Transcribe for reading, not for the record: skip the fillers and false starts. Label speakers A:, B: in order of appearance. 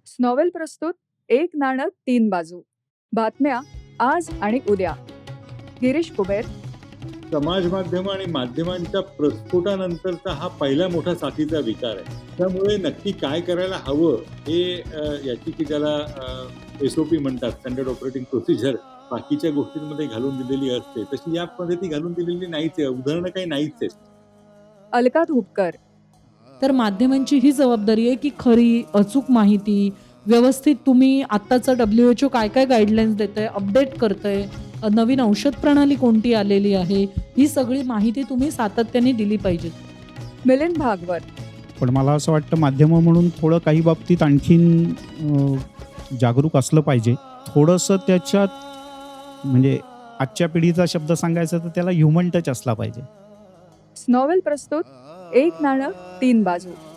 A: स्नॉवेल प्रस्तुत एक नाणं तीन बाजू. बातम्या आज आणि उद्या. गिरीश कुबेर.
B: समाज माध्यम आणि माध्यमांच्या प्रस्फोटानंतरचा हा पहिला मोठा साथीचा विकार आहे. त्यामुळे नक्की काय करायला हवं हे याची की ज्याला SOP म्हणतात, स्टँडर्ड ऑपरेटिंग प्रोसिजर, बाकीच्या गोष्टींमध्ये घालून दिलेली असते, तशी यामध्ये ती घालून दिलेली नाहीच आहे. उदाहरणं काही नाहीच आहेत.
A: अलका धुपकर.
C: तर माध्यमांची ही जबाबदारी आहे की खरी अचूक माहिती व्यवस्थित तुम्ही आत्ताचं WHO काय काय गाईडलाईन्स देतंय, अपडेट करतंय, नवीन औषध प्रणाली कोणती आलेली आहे, ही सगळी माहिती तुम्ही सातत्याने दिली पाहिजे.
A: मिलिंद भागवत.
D: पण मला असं वाटतं माध्यमं म्हणून थोडं काही बाबतीत आणखीन जागरूक असलं पाहिजे. थोडंसं त्याच्यात म्हणजे आजच्या पिढीचा शब्द सांगायचा तर त्याला ह्युमन टच असला पाहिजे.
A: स्नॉवेल प्रस्तुत एक नाणं तीन बाजू.